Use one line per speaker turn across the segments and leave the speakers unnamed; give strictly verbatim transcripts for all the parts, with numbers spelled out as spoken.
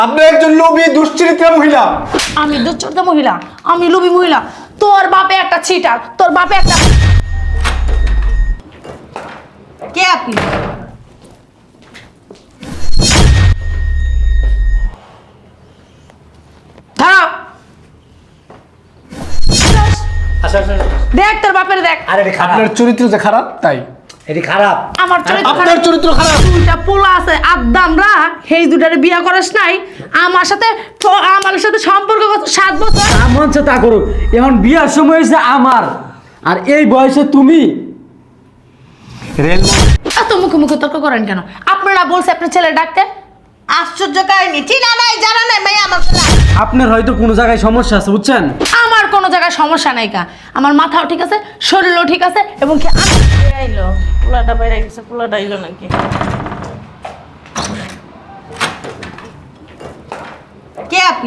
আপনি একজন লোভী দুশ্চরিত্রা মহিলা।
আমি দুশ্চরিত্রা মহিলা? আমি লোভী মহিলা? তোর বাপে একটা চিটার, তোর বাপে একটা। কে আপনি? দাঁড়াও।
আচ্ছা আচ্ছা
দেখ তোর বাপের দেখ।
আরে এটা খারাপ,
আপনার চরিত্র যে খারাপ তাই।
এটা খারাপ।
আমার চরিত্র
আপনার
খারাপ?
চরিত্র খারাপ।
দুইটা পোলা আছে আদ্দামরা, সেই দুটারে বিয়া করিস নাই। আমার সাথে ঠ- আমার সাথে সম্পর্ক কত সাত বছর।
এমন সে তা করুক, এখন বিয়ার সময় হয়েছে আমার, আর এই বয়সে তুমি রেল
এত মুখে মুখে তর্ক করেন কেন? আপনারা বলছে আপনার ছেলে ডাকতে।
আশ্চর্য কাহিনী, চিনা নাই জানা নাই মেয়ে আমার ছেলে।
আপনার হয়তো কোনো জায়গায় সমস্যা আছে, বুঝছেন?
আমার কোনো জায়গায় সমস্যা নাই কা, আমার মাথাও ঠিক আছে, শরীরও ঠিক আছে, এবং কি আমি
আইলো পোলাটা বাইরে গেছে, পোলাটা আইলো নাকি?
কে আপনি?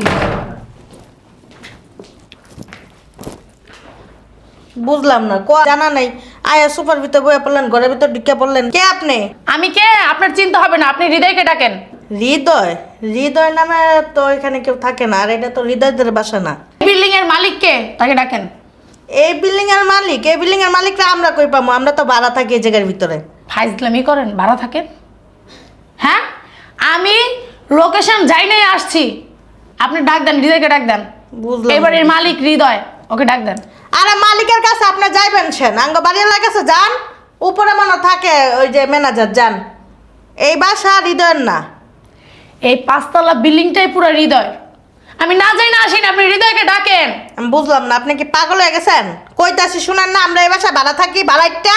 বুঝলাম না, ক জানা নাই। আয়া সুপার ভিতর বইয়া পড়লেন, ঘরের ভিতর ঢুকে পড়লেন। কে আপনি?
আমি কে আপনার চিন্তা হবে না, আপনি হৃদয়কে ডাকেন।
হৃদয়? হৃদয় নামে তো এখানে কেউ থাকে না, আর এটা তো হৃদয়দের বাসা না।
বিল্ডিং এর মালিক কে, তাকে ডাকেন।
এই বিল্ডিং এর মালিক? এই বিল্ডিং এর মালিকরা আমরা কই পাবো? আমরা তো ভাড়া থাকি এই জায়গার ভিতরে।
ফাইজলামি করেন, ভাড়া থাকেন? হ্যাঁ, আমি লোকেশন যাই নাই আসছি, আপনি ডাক দেন, হৃদয়কে ডাক দেন।
বুঝলাম।
এবারের মালিক হৃদয়, ওকে ডাক দেন।
আরে মালিকের কাছে আপনি যাইবেন সেন, আঙ্গ বাড়িওয়ালার কাছে যান, উপরে মনে থাকে ওই যে ম্যানেজার, যান। এই বাসা হৃদয়ের না।
এই পাঁচতলা বিল্ডিংটাই পুরো হৃদয়। আমি না যাই না আসি না, আপনি হৃদয়কে ডাকেন।
আমি বুঝলাম না, আপনি কি পাগল হয়ে গেছেন? কইতাছি শুনেন না, আমরা এই বাসা ভাড়া থাকি, ভাড়াইটা।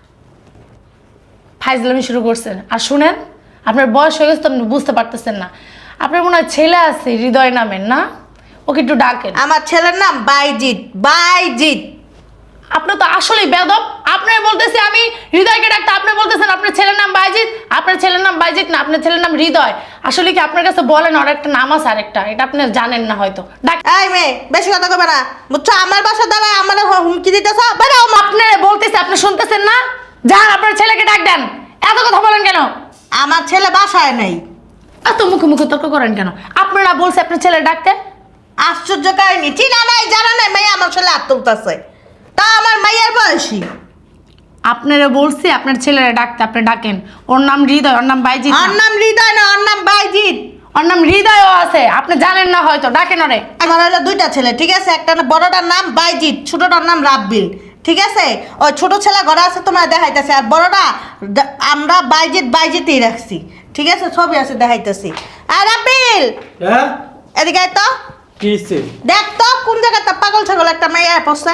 ফাইজলামি শুরু করছেন। আর শুনেন, আপনার বয়স হয়ে গেছে তো আপনি বুঝতে পারতেছেন না। আপনার মনে হয় ছেলে আছে হৃদয় নামের, না? ওকে একটু ডাকেন।
আমার ছেলের নাম বাইজিৎ। বাইজিৎ।
আপনি তো আসলেই বেদব। আপনি বলতেছি আমি হৃদয়কে ডাকতে, আপনি বলতেছেন আপনার ছেলের নাম বাইজিৎ। আপনার ছেলের নাম বাইজিৎ না, আপনার ছেলের নাম হৃদয়। আসলে কি আপনার কাছে বলেন আর একটা নাম আছে, আরেকটা, এটা আপনি জানেন না হয়তো। ডাক।
এই মেয়ে, বেশি কথা কবে না, বুঝছো? আমার বাসা দ্বারা আমার হুমকি দিতেছ, বেরাও।
আপনারা বলতেছি, আপনি শুনতেছেন না? যান আপনার ছেলেকে ডাক দেন। এত কথা বলেন কেন?
আমার ছেলে বাসায় নেই।
এত মুখে মুখে তর্ক করেন কেন? আপনারা বলছে আপনার ছেলে ডাকতে।
আশ্চর্য কাহিনী, চিনা নাই জানা নাই মেয়ে আমার ছেলে হাত তুলতেছে, তা আমার মাইয়ার বয়সী।
আপনারা বলছি আপনার ছেলেরা ডাকতে, আপনি ডাকেন। ওর নাম হৃদয়, ওর নাম বাইজিৎ
ওর
না।
নাম হৃদয় না, ওর নাম বাইজিৎ।
ওর নাম হৃদয়ও আছে, আপনি জানেন না হয়তো, ডাকেন ওরে।
আমার হলো দুইটা ছেলে, ঠিক আছে? একটা না বড়টার নাম বাইজিৎ, ছোটটার নাম রাব্বিল, ঠিক আছে? ওই ছোট ছেলে ঘরে আছে, তোমার দেখাইতেছে। আর বড়টা দা- আমরা বাইজিৎ বাইজিৎই রাখছি, ঠিক আছে? ছবি আছে, দেখাইতেছি। আর রাব্বিল,
হ্যাঁ,
এদিকে আয় তো,
কি হচ্ছে?
দেখ তো কোন জায়গাটা পাগল ছাগল একটা মেয়ে পড়ছে।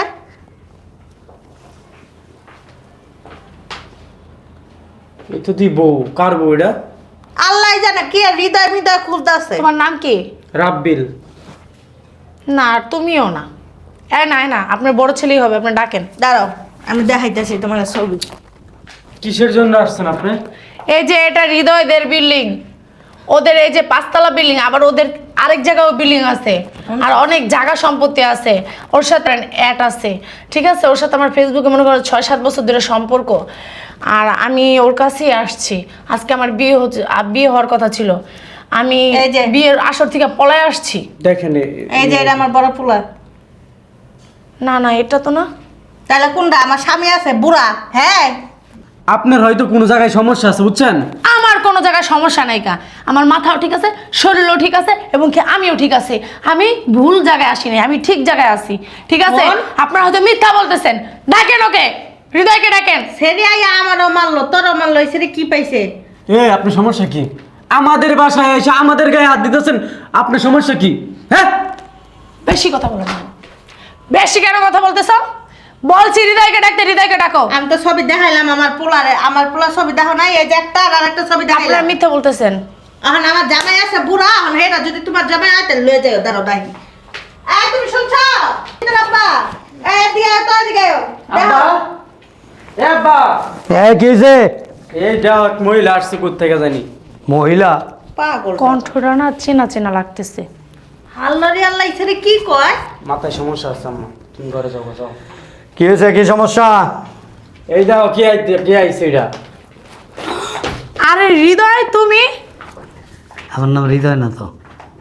এই তো তুই বউ, কার বউ এটা?
আল্লাহ জানে কি আর হৃদয় হৃদয় খুলতেছে।
তোমার নাম কি?
রাব্বিল।
না, আর তুমিও না। এ না এ না, আপনার বড় ছেলেই হবে, আপনি ডাকেন।
দাঁড়াও, আমি দেখাইতেছি তোমার ছবি।
কিসের জন্য আসছেন আপনি?
এই যে এটা হৃদয়দের বিল্ডিং, ওদের এই যে পাঁচতলা বিল্ডিং, আবার ওদের আরেক জায়গাও বিল্ডিং আছে, আর অনেক জায়গা সম্পত্তি আছে। ওর সাথে অ্যাড আছে, ঠিক আছে? ওর সাথে আমার ফেসবুকে মনে করো ছয় সাত বছর ধরে সম্পর্ক। আর আমি ওর কাছেই আসছি। আজকে আমার বিয়ে হচ্ছে, আ, বিয়ে হওয়ার কথা ছিল। আমি
এই যে-
বিয়ের আসর থেকে পলায় আসছি।
দেখেন এ-
এই যে এটা আমার বড় পোলা।
না না, এটা তো না।
তাহলে কোনটা? আমার স্বামী আছে বুড়া, হ্যাঁ।
আপনার হয়তো কোনো জায়গায় সমস্যা আছে, বুঝছেন?
আমার কোনো জায়গায় সমস্যা নাই কা, আমার মাথাও ঠিক আছে, শরীরও ঠিক আছে, এবং কি আমিও ঠিক আছে। আমি ভুল জায়গায় আসি নাই, আমি ঠিক জায়গায় আছি, ঠিক আছে?
বল।
আপনারা হয়তো মিথ্যা বলতেছেন। ডাকেন ওকে, হৃদয়কে ডাকেন।
সেরি আইয়া আমারও মারলো, তোরও মারলো, সেরি কি পাইছে?
এ আপনার সমস্যা কি? আমাদের বাসায় এসে আমাদের গায়ে হাত দিতেছেন, আপনার সমস্যা কি? হ্যাঁ,
বেশি কথা বলেন না। বেশি কেন কথা বলতেছ? বলছি হৃদয়কে ডাকতে, হৃদয়কে ডাকো।
আমি তো ছবি দেখাইলাম আমার পোলারে, আমার পোলা ছবি দেখো নাই? এই যে একটা আর একটা ছবি
আপনারা
দেখাইলাম।
মিথ্যা বলতেছেন।
এখন আমার জামাই আছে বুড়া, এখন হেরা যদি তোমার জামাই আয় তাহলে লয়ে যাও, দাঁড়াও ডাই। এই তুমি শুনছো? আব্বা, এই এদিকে আয় তো, এদিকে আয়। দেখো।
এ আব্বা,
এ কিছে
এইটা এক মহিলা আসছে কোথা থেকে জানি।
মহিলা?
পাগল।
কণ্ঠটা না চেনা চেনা লাগতেছে।
আল্লাহরে আল্লাহ, সেরি কি কয়?
মাথায় সমস্যা আছে আম্মা, তুমি ঘরে যাও, যাও।
কি হয়েছে, কি সমস্যা?
এই দাও, কি আইতে কি আইছে এটা?
আরে হৃদয়, তুমি?
আমার নাম হৃদয় না তো।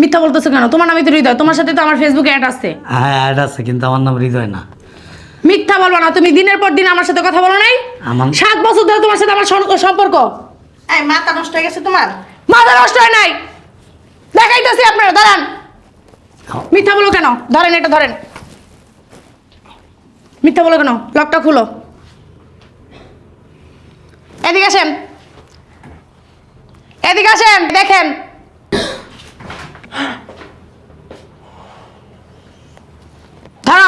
মিথ্যা বলতেছো কেন? তোমার নামই তো হৃদয়, তোমার সাথে তো আমার ফেসবুকে অ্যাড আছে।
হ্যাঁ অ্যাড আছে কিন্তু আমার নাম হৃদয় না।
মিথ্যা বলবো না, তুমি দিনের পর দিন আমার সাথে কথা বলো নাই।
আমার-
সাত বছর ধরে তোমার সাথে আমার সন- সম্পর্ক।
এই মাথা নষ্ট হয়ে গেছে তোমার?
মাথা নষ্ট হয় নাই, দেখাইতেছি আপনারা, দাঁড়ান। মিথ্যা বলো কেন? ধরেন এটা ধরেন। মিথ্যা বলো কেন? লকটা খুলো, এদিকে আসেন, এদিকে আসেন, দেখেন। ধরো।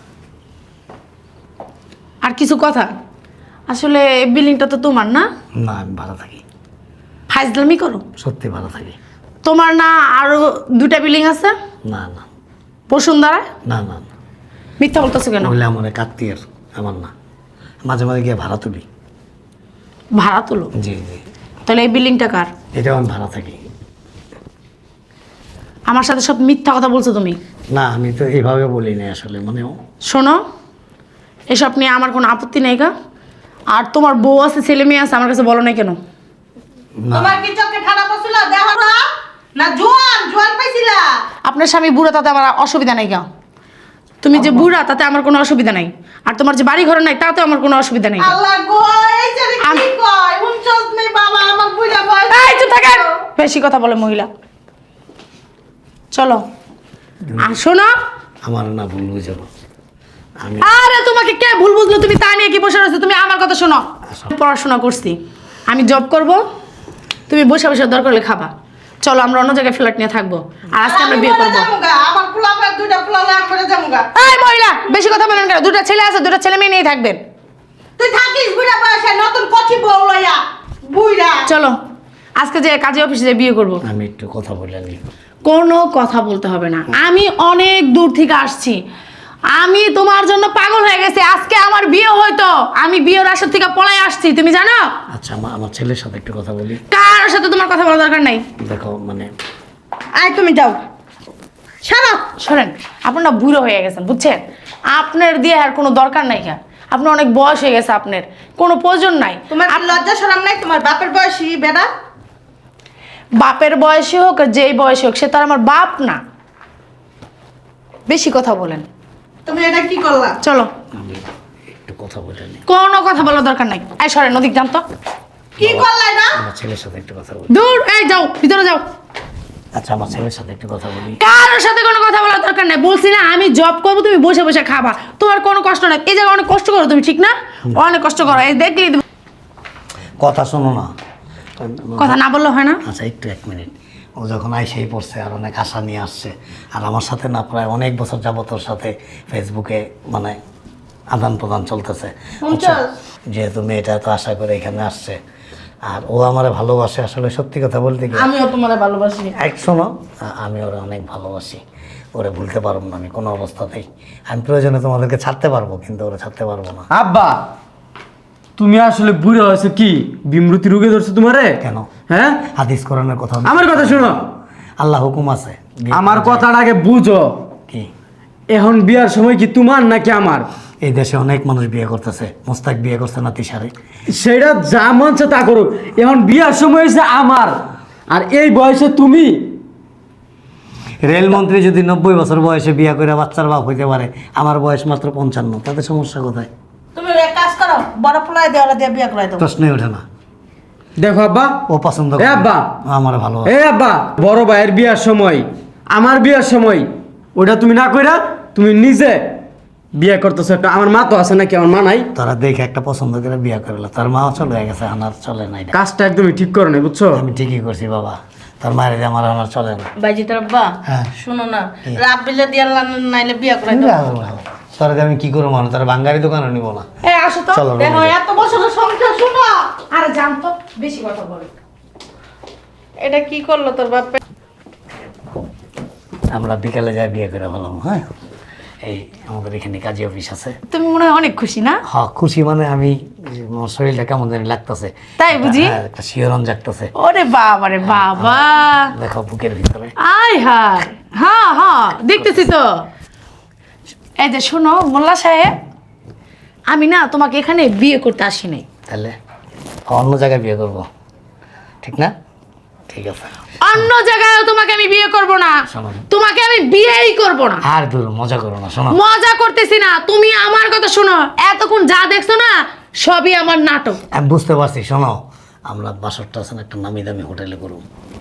আর কিছু কথা, আসলে বিল্ডিংটা তো তোমার না?
না আমি ভালো থাকি,
ফাইজলামি করো।
সত্যি ভালো থাকি।
তোমার না আরো দুটা বিল্ডিং আছে?
না না
বসুন্ধরা।
না না না
মিথ্যা বলতেছো কেন?
বললে আমার এক আত্মীয়ের, আমার না। মাঝে মাঝে গিয়ে ভাড়া তুলি।
ভাড়া তুলো?
জি জি।
তাহলে এই বিল্ডিংটা কার?
এটাও আমি ভাড়া থাকি।
আমার সাথে সব মিথ্যা কথা বলছো তুমি।
না আমি তো এইভাবে বলি না আসলে, মানে
শোনো, এসব নিয়ে আমার কোনো আপত্তি নেই গা। আর তোমার বউ আছে, ছেলে মেয়ে আছে, আমার কাছে বলো না কেন?
না।
তোমার কি চোখে ঠাডা পড়ছিল? দেখো না, না জোয়ান জোয়ান পাইছিলা?
আপনার স্বামী বুড়া, তাতে আমার অসুবিধা নাই গা। তুমি যে বুড়া, তাতে আমার কোনো অসুবিধা নাই। আর তোমার যে বাড়ি ঘর নাই, তাতে আমার কোনো অসুবিধা নাই গা।
আল্লাহ গো, এই যে কি
আম-
কয় উনচল্লিশ নেই বাবা, আমার বুইড়া বয়স।
এই চুপ থাকেন, বেশি কথা বলে মহিলা। চলো আসো না।
আমার না ভুল বুঝে আমি
আরে তোমাকে কে ভুল বুঝলো? তুমি তা নিয়ে কি বসে রয়েছো? তুমি আমার কথা শোনো। পড়াশোনা করছি, আমি জব করব, তুমি বসে বসে দরকার হলে খাবা। চলো আমরা অন্য জায়গায় ফ্ল্যাট নিয়ে থাকবো, আর আজকে আমরা বিয়ে করবো।
আমার পোলা পায় দুইটা পোলা লাগ করে যামুগা।
এই মহিলা, বেশি কথা বলেন কেন? দুটো ছেলে আছে, দুটো ছেলে মেয়ে নিয়ে থাকবেন।
তুই থাকিস বুইড়া বয়সে, নতুন কচি বউ লইয়া বুইড়া।
চলো আজকে যে কাজে অফিসে যে বিয়ে করবো।
আমি একটু কথা বলে নি।
কোনো কথা বলতে হবে না, আমি অনেক দূর থেকে আসছি। আমি তোমার জন্য পাগল হয়ে গেছি। আজকে আমার বিয়ে হয়তো, আমি বিয়ের আসর থেকে পলাই আসছি, তুমি জানো?
আচ্ছা আমার আমার ছেলের সাথে একটু কথা বলি।
কারোর সাথে তোমার কথা বলার দরকার নাই।
দেখো মানে
আয় তুমি যাও, সারা
শোনেন, আপনার না বুড়ো হয়ে গেছেন, বুঝছেন? আপনার দিয়ে আর কোনো দরকার নাই। কা আপনার অনেক বয়স হয়ে গেছে, আপনার কোনো প্রয়োজন নাই।
তোমার কি লজ্জা শরম নাই? তোমার বাপের বয়সী বেড়া।
বাপের বয়সী হোক আর যেই বয়সী হোক, সে তো আর আমার বাপ না। বেশি কথা বলেন।
তুমি এটা কি করলা?
চলো,
আমি একটু কথা বলে নি।
কোনো কথা বলার দরকার নাই। এই সরেন, নদীক যান তো।
কি করলা এটা?
আমার ছেলের সাথে একটু কথা বলি।
দূর, এই যাও, ভিতরে যাও।
আচ্ছা আমার ছেলের সাথে একটু কথা বলি।
কারোর সাথে কোনো কথা বলার দরকার নাই। বলছি না আমি জব করবো, তুমি বসে বসে খাবা, তোমার কোনো কষ্ট নাই। এই জায়গায় অনেক কষ্ট করো তুমি, ঠিক না? অনেক কষ্ট করো, এই দেখলি তুমি।
কথা শোনো না।
কথা না বললে হয় না?
আচ্ছা একটু এক মিনিট। ও যখন আইসেই পড়ছে আর অনেক আশা নিয়ে আসছে, আর আমার সাথে না প্রায় অনেক বছর যাবত ওর সাথে ফেসবুকে মানে আদান প্রদান চলতেছে। বুঝছো? যেহেতু মেয়েটা এত আশা করে এখানে আসছে, আর ও আমারে ভালোবাসে, আসলে সত্যি কথা বলতে কি
আমিও তোমার ভালোবাসি।
এক শোনো, আ- আমি ওরা অনেক ভালোবাসি, ওরে ভুলতে পারবো না আমি কোনো অবস্থাতেই। আমি প্রয়োজনে তোমাদেরকে ছাড়তে পারবো, কিন্তু ওরা ছাড়তে পারবো না।
আব্বা, তুমি আসলে বুড়ো হয়েছো কি? বিমৃতি রোগে ধরছে তোমারে?
কেন?
হ্যাঁ,
হাদিস কোরআনের কথা
আমার কথা শোনো।
আল্লাহ হুকুম আছে। বিয়ে
আমার
করা যায়।
কথাটা আগে বুঝো।
কি
এখন বিয়ার সময় কি তোমার নাকি আমার?
এই দেশে অনেক মানুষ বিয়ে করতেছে, মোস্তাক বিয়ে করছে না তিশারে।
সেটা যা মনছে তা করুক, এখন বিয়ার সময় হয়েছে আমার, আর এই বয়সে তুমি।
রেলমন্ত্রী যদি নব্বই বছর বয়সে বিয়ে করে বাচ্চার বাপ হইতে পারে, আমার বয়স মাত্র পঞ্চান্ন, তাতে সমস্যা কোথায়?
তুমি এক কাজ করো, বড় পোলায় দিয়ে ওরা দিয়ে বিয়ে করাই দাও।
প্রশ্নই ওঠে না।
দেখো আব্বা,
ও পছন্দ
এ
করে
আব্বা,
আমার ভালো
এ আব্বা, বড় ভাইয়ের বিয়ার সময় আমার বিয়ার সময় ওটা তুমি না কইরা তুমি নিজে বিয়ে করতেছো। একটা আমার মা তো আছে নাকি? আমার মা নাই?
তারা দেখে একটা পছন্দ করে বিয়ে করলো, তার মাও চলে গেছে, আনার চলে নাই।
কাজটা একদমই ঠিক করো না, বুঝছো?
আমি ঠিকই করছি বাবা, তার মায়ের যে আমার আনার চলে না।
বাইজি তোর আব্বা,
হ্যাঁ।
শুনো না, রাব্বিলে দিয়ে নাইলে বিয়ে করাই দাও।
তারা আমি কি করবো, মানে তার বাঙ্গারি দোকানে নিবো না।
এই আসো তো।
চলো
দেখো এত বছরের সংসার, শুনো।
আরে জান তো, বেশি কথা বলে।
এটা কি করলো তোর বাপে?
আমরা বিকালে যাই বিয়ে করে ফেলাম। হ্যাঁ, এই আমাদের এখানে কাজী অফিস আছে।
তুমি মনে হয় অনেক খুশি না?
হ্যাঁ খুশি, মানে আমি আমার শরীরটা কেমন জানি লাগতেছে।
তাই বুঝি?
হ্যাঁ, একটা শিহরণ জাগতেছে।
ওরে বাবা রে বাবা,
দেখো বুকের ভিতরে।
আয় হায়, হ্যাঁ হ্যাঁ দেখতেছি তো। এই যে শোনো মোল্লা সাহেব, আমি না তোমাকে এখানে বিয়ে করতে আসি নাই।
তাহলে অন্য জায়গায় বিয়ে করব, ঠিক না? ঠিক আছে।
অন্য জায়গায় তোমাকে আমি বিয়ে করব না।
শোনো।
তোমাকে আমি বিয়েই করব না।
আর দূর মজা করো না, শোনো।
মজা করতেছি না, তুমি আমার কথা শোনো। এতক্ষণ যা দেখছো না সবই আমার নাটক।
আমি বুঝতে পারছি, শোনো। আমরা বাসরটা আছে না একটা নামি দামি হোটেলে করব,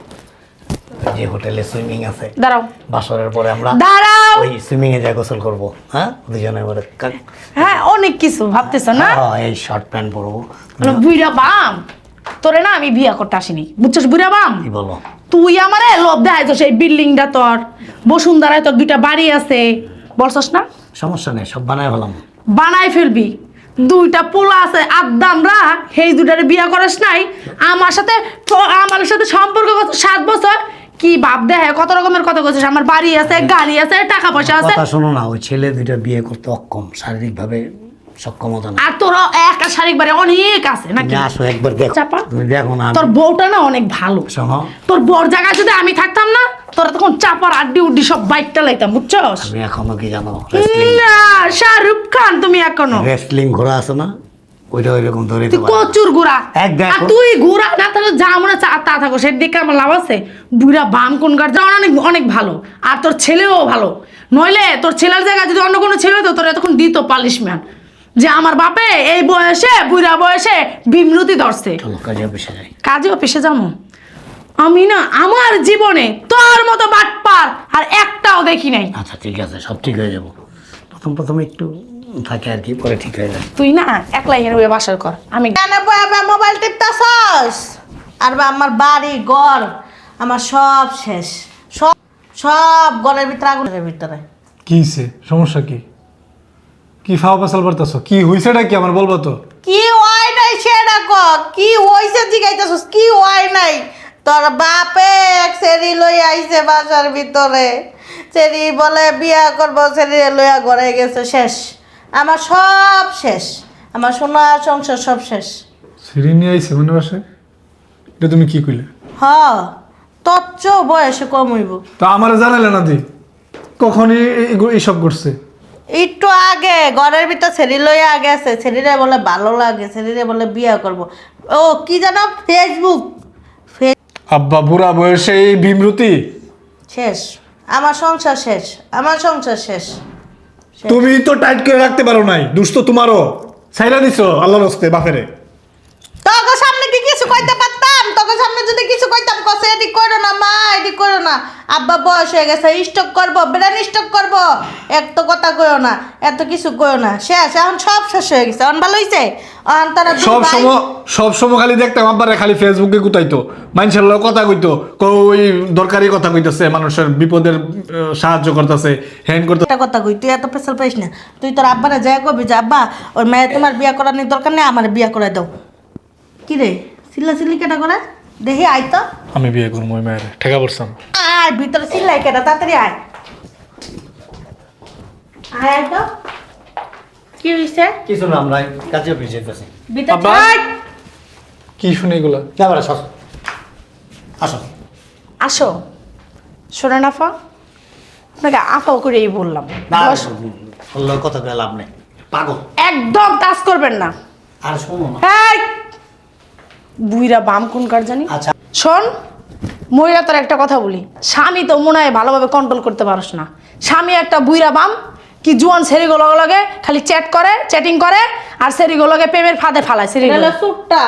যে হোটেলে সুইমিং আছে।
দাঁড়াও
বাসরের পরে আমরা
দাঁড়াও
ওই সুইমিং এ যাই গোসল করব, হ্যাঁ দুজনে মিলে। কা-
হ্যাঁ অনেক কিছু ভাবতেছো না।
হ্যাঁ, এই শর্ট প্যান্ট পরবো।
বলো, বুইরা বাম তোরে না আমি বিয়া করতে আসিনি, বুঝছস? বুইরা বাম
কি বলো?
তুই আমারে লোভ দেখাইছস। এই বিল্ডিংটা তোর, বসুন্ধরায় তোর দুইটা বাড়ি আছে, বলছস না?
সমস্যা নেই, সব বানায় ফেলাম।
বানাই ফেলবি। দুইটা পোলা আছে আদামরা, সেই দুটারে বিয়া করাস নাই। আমার সাথে তো- আমার সাথে সম্পর্ক কত সাত বছর, কি ভাব দেখে কত রকমের কথা কইছিস। আমার বাড়ি আছে, গাড়ি আছে, টাকা পয়সা আছে।
কথা শোনো না, ওই ছেলে দুইটা বিয়ে করতে অক্ষম, শারীরিকভাবে সক্ষমতা না।
আর তোর একটা শারীরিক বাড়ি অনেক আছে নাকি?
তুমি আসো একবার দেখো,
চাপা।
তুমি দেখো না।
তোর বউটা না অনেক ভালো।
শোনো,
তোর বর জায়গায় যদি আমি থাকতাম না, তোরা তখন চাপার আড্ডি উড্ডি সব বাইকটা লাইতাম, বুঝছস?
তুমি এখনো কি জানো রেসলিং?
না শাহরুখ খান তুমি এখনো।
রেসলিং ঘোড়া আছে না, ওইটা ওইরকম ধরে
তুই কচুর গুড়া।
এক দেখো।
আর তুই গুড়া না তাহলে যা মনে চা তা থাকো, সের দিকে আমার লাভ আছে? বুড়া বাম কোন গাছ যা অনেক অনেক ভালো, আর তোর ছেলেও ভালো। নইলে তোর ছেলের জায়গায় যদি অন্য কোনো ছেলে হতো, তোর এতক্ষণ দিত পালিশম্যান যে আমার বাপে এই বয়সে, বুড়া বয়সে বিমরতি ধরছে।
চলো কাজে অফিসে যাই।
কাজে অফিসে যাবো আমি না, আমার জীবনে তোর মতো বাটপার আর একটাও দেখি নাই।
আচ্ছা ঠিক আছে, সব ঠিক হয়ে যাবো। প্রথম প্রথম একটু থাকে আর কি, পরে ঠিক হয়ে যায়।
তুই না একলাই হেরে বাসার কর, আমি
কেন বয়াবে মোবাইল টিপতাছস? আর বা আমার বাড়ি ঘর আমার সব শেষ, সব সব ঘরের ভিতরে আগুনের ভিতরে।
কি হইছে? সমস্যা কি? কি ফাও পাসাল করতেছ? কি হইছেটা কি আমার বলবো তো?
কি হয় নাই সেটা ক, কি হইছে জিগাইতাছস? কি হয় নাই? তোর বাপে এক সেরি লই আইছে বাসার ভিতরে, সেরি বলে বিয়া করব, সেরি লইয়া ঘরে গেছে, শেষ। আমার সব শেষ, আমার সোনা সংসার সব শেষ।
সিঁড়ি নিয়ে আইছে মনে বাসে? এটা তুমি কি কইলে?
হ, তোর চেয়েও বয়সে কম হইব।
তা আমারে জানালে না দি কখনই এগুলো- এইসব করছে?
একটু আগে ঘরের ভিতর ছেড়ি লইয়া আগে আছে, ছেড়িরে বলে ভালো লাগে, ছেড়িরে বলে বিয়া করব। ও কি জানো, ফেসবুক ফে-
আব্বা বুড়া বয়সে এই ভীমরতি?
শেষ, আমার সংসার শেষ, আমার সংসার শেষ।
তুমি তো টাইট করে রাখতে পারো নাই, দুষ্ট তোমারও ছাইরা দিছো আল্লাহর হস্তে বাপেরে।
তোকে সামনে কি কিছু কইতে পারতাম? তোকে সামনে যদি কিছু কইতাম, কসে এটি করো না মা, এটি করো না। আব্বা বয়স হয়ে গেছে, স্টক করবো, ব্রেন স্টক করবো, এক তো কথা কইও না, এত কিছু কইও না। শেষ, এখন সব শেষ হয়ে গেছে। এখন ভালো হইছে? এখন তারা দুই
সব
ভাই-
সময় সব সময় খালি দেখতাম আব্বারে খালি ফেসবুকে গুতাইতো, মানুষের লোক কথা কইতো, ওই দরকারি কথা কইতেছে, মানুষের বিপদের আহ, সাহায্য করতেছে, হ্যান্ড করতে।
একটা কথা কই, তুই এত পেশাল পাইস না। তুই তোর আব্বারে যাই কবি যে আব্বা ওর মেয়ে তোমার বিয়া করার নেই, দরকার নেই, আমার বিয়া করে দাও। কি রে চিল্লা চিল্লি কেটা করে দেখি, আয় তো
আমি বিয়ে করবো ওই মায়ের, ঠেকা পড়ছাম।
আয় ভিতরে, চিল্লাই কেটা, তাড়াতাড়ি আয় আয় আয় তো। কি হইছে
কিছু না, আমরা কাজে অফিসে যেতেছি।
ভিতরে
আব্বা।
আয়।
কি শুনে এগুলা?
এবার আসো, আসো।
আসো। শোনেন আফা, আপনাকে আফাও করেই বললাম,
না
বস।
বললেও কথা কয়ে লাভ নেই, পাগল।
একদম টাচ করবেন না।
আর শোনো না।
এই বুইরা বাম কোন কার জানি।
আচ্ছা।
শোন মহিলা, তোর একটা কথা বলি, স্বামী তো মনে হয় ভালোভাবে কন্ট্রোল করতে পারস না। স্বামী একটা বুইরা বাম, কি জুয়ান সেরিগুলো লগে খালি চ্যাট করে, চ্যাটিং করে, আর সেরিগুলোকে প্রেমের ফাঁদে ফালায়।
এটা
সেরিগুলো
হলো সুটটা।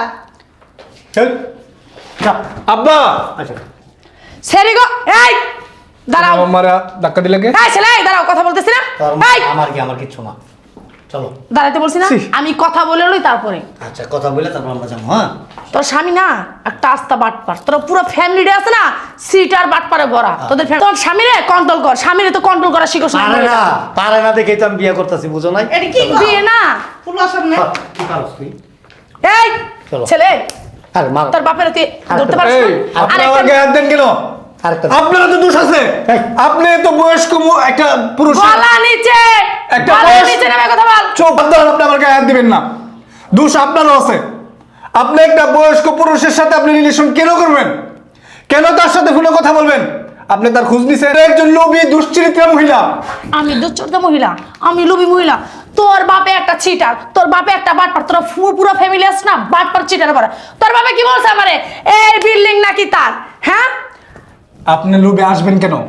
আব্বা
আচ্ছা,
সেরিগো, এই দাঁড়াও।
আমার ধাক্কা দিলে কে?
এই ছেলে, এই দাঁড়াও, কথা বলতেছি না।
তোর
এই
আমার কি, আমার কিচ্ছু না, চলো।
দাঁড়াইতে বলছি না,
ছি।
আমি কথা বলে লই তারপরে।
আচ্ছা কথা বলে তারপর আমরা যাবো। হ্যাঁ
তোর স্বামী না একটা আস্তা বাটপার, তোর পুরো ফ্যামিলিটা আছে না সিটার বাটপারে ভরা। তোদের ফ্যাম- তোর স্বামীরে কন্ট্রোল কর, স্বামীরে তো কন্ট্রোল করা শিখোস না।
পারে না, পারে না দেখেই তো আমি বিয়ে করতেছি, বুঝো নাই?
এটা কি
বিয়ে না।
ফুলার সামনে
হ্যাঁ, কি পারস তুই?
এই
চলো।
ছেলে,
আরে মার।
তোর বাপের তুই ধরতে পারছিস
এই,
না?
আপনি
আরেকটা-
আমার গায়ে হাত দেন কেন?
আরেকটা।
আপনারও তো দোষ আছে।
এই।
আপনি তো বয়স্ক মু- একটা পুরুষ।
গলা নিচে,
একটা
গলা
বয়স-
নিচে নেমে কথা বল।
চোখ বন্ধ করে আপনি আমার গায়ে হাত দিবেন না। দোষ আপনারও আছে। আপনি একটা বয়স্ক পুরুষের সাথে আপনি রিলেশন কেন করবেন? কেন তার সাথে ফোনে কথা বলবেন? আপনি তার খোঁজ নিছেন? একজন লোভী দুশ্চরিত্রা মহিলা।
আমি দুশ্চরিত্রা মহিলা, আমি লোভী মহিলা। তোর বাপে একটা চিটার, তোর বাপে একটা বাটপার, তোর ফু- পুরো ফ্যামিলি আছে না বাটপার চিটার ভরা। তোর বাপে কি বলছে আমারে, এই বিল্ডিং নাকি তার? হ্যাঁ
আপনি লোভে আসবেন কেন?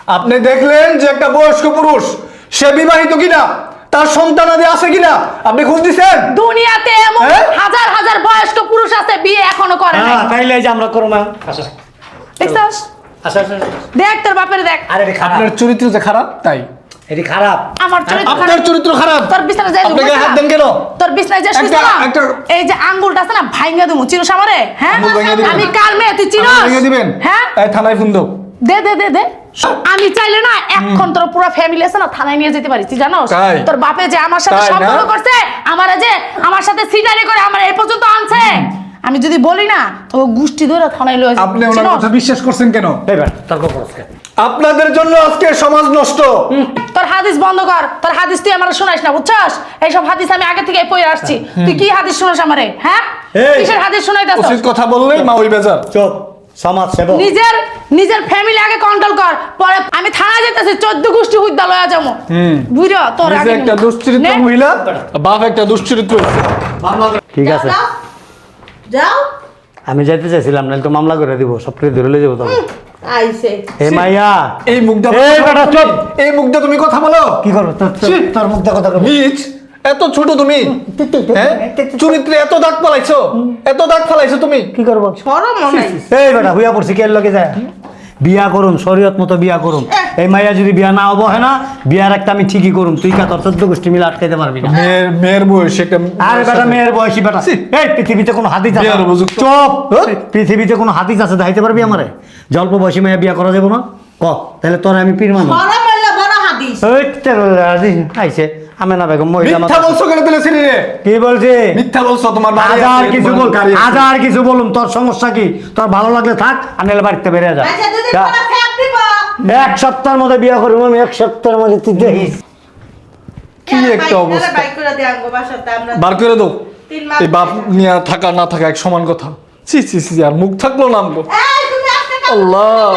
আপনি দেখলেন যে একটা বয়স্ক পুরুষ সে বিবাহিত কিনা, তার সন্তানাদি আছে কিনা, আপনি খোঁজ দিচ্ছেন?
দুনিয়াতে এমন
হ্যাঁ?
হাজার হাজার বয়স্ক পুরুষ আছে বিয়ে এখনো করে নাই।
হ্যাঁ তাইলে এই যে আমরা করবো না। আসো
দেখছস?
আসো আসো আসো।
দেখ তোর বাপের দেখ।
আরে এটা খারাপ,
আপনার চরিত্র যে খারাপ তাই।
এটি খারাপ।
আমার চরিত্র
আপনার
খারাপ।
চরিত্র খারাপ।
তোর বিছানা যাই
আপনি গায়ে হাত দেন কেন?
তোর বিছনায় যে শুইছ
একটা-
না
একটা-
এই যে আঙ্গুলটা আছে না ভাঙা দেবো চিনোস আমারে হ্যাঁ
আঙ্গুল ভাইঙ্গা দিবেন?
আমি কার মেয়ে তুই চিনোস
আপনি ভেঙে দিবেন?
হ্যাঁ
এই থানায় ফোন দাও।
দে দে দে দে আমি চাইলে না এখন তোর পুরো ফ্যামিলি আছে না থানায় নিয়ে যেতে পারিস তুই জানোস
তাই?
তোর বাপে যে আমার সাথে
তাই না?
সম্পর্ক করছে আমারে যে আমার সাথে সিটারি করে আমার এই পর্যন্ত আনছে আমি যদি বলি না তো গুষ্টি ধরে থানায় লয়ে যাবে
আপনি ওনার কথা বিশ্বাস করছেন কেন?
এবার তর্ক করছ কেন?
আপনাদের জন্য আজকে সমাজ নষ্ট।
তোর হাদিস বন্ধ কর তোর হাদিস তুই আমার শোনাইস না বুঝছস এইসব হাদিস আমি আগে থেকে পড়ে আসছি তুই কি হাদিস শোনাস আমারে হ্যাঁ
এই!
কিসের হাদিস শোনাইতাছস
উচিত কথা বললে মা ওই বেজার।
চুপ, সমাজ সেবক।
নিজের নিজের ফ্যামিলি আগে কন্ট্রোল কর পরে আমি থানায় যেতেছি চোদ্দ গোষ্ঠী হুদ্দা লয়া যাবো বুঝো তোর
নিজে
আগে
একটা দুশ্চরিত্র
নে।
মহিলা, বাপ একটা দুশ্চরিত্র।
ঠিক আছে,
যাও, যাও
আমি যাইতে চাইছিলাম নাহলে তো মামলা করে দিব, সব কিছু ধরে লয়ে যাবো তখন।
আইছে
এ মাইয়া,
এই মুখটা
এই বেটা চুপ।
এই মুখটা তুমি কথা বলো
কি করবো তোর
ছি।
তোর- তোর মুখ দেখো দেখো।
নিজ এত ছোট তুমি, হ্যাঁ চরিত্রে এত দাগ ফেলাইছো, এত দাগ ফেলাইছো তুমি।
কি করবো?
সরম মনে হয়।
এই বেটা হুইয়া পড়ছি কে লগে যায়? বিয়া করুম, শরীয়ত মতো বিয়া করুম। এই মাইয়া যদি বিয়া না হবো হয় না, বিয়ার একটা আমি ঠিকই করুম। তুই কা তোর চোদ্দ গোষ্ঠী মিলে আটকাইতে পারবি না।
মেয়ের মেয়ের বয়স একটা
আরে বেটা মেয়ের বয়সী বেটা।
ছি।
এই পৃথিবীতে কোনো হাদিস আছে?
বিয়ার উপযুক্ত।
চুপ। পৃথিবীতে কোনো হাদিস আছে দেখাইতে পারবি আমারে? জল্প বয়সী মেয়ে বিয়া করা যাবো না? ক তাহলে তোর আমি পীর মানুষ।
সরম হইলে বড় হাদিস।
ওই তেরো হাদিস আইছে আমেনা বেগম মহিলা
মিথ্যা
মাতা-
বলছো কেন তাহলে ছেলে রে?
কি বলছে?
মিথ্যা বলছো, তোমার বাড়ি
হাজার
আছে,
কিছু
তোমার
বল,
গাড়ি আছে।
হাজার কিছু বলুন, তোর সমস্যা কি? তোর ভালো লাগলে থাক আর নাহলে বাড়িতে বেরিয়ে যা।
আচ্ছা দুদিন
যা।
পরে ফেক দিব।
এক সপ্তাহের মধ্যে বিয়ে করবো আমি, এক সপ্তাহের মধ্যে তুই দেখিস।
কি একটা
বাইক-
অবস্থা।
বাইক করে দিয়ে আনবো বাসাতে আমরা।
বার করে দাও।
তিন মাস
এই বাপ নিয়ে থাকা না থাকা এক সমান কথা। ছি ছি ছি, আর মুখ থাকলো না আমগো।
এই, তুমি আজকে কাল-
আল্লাহ।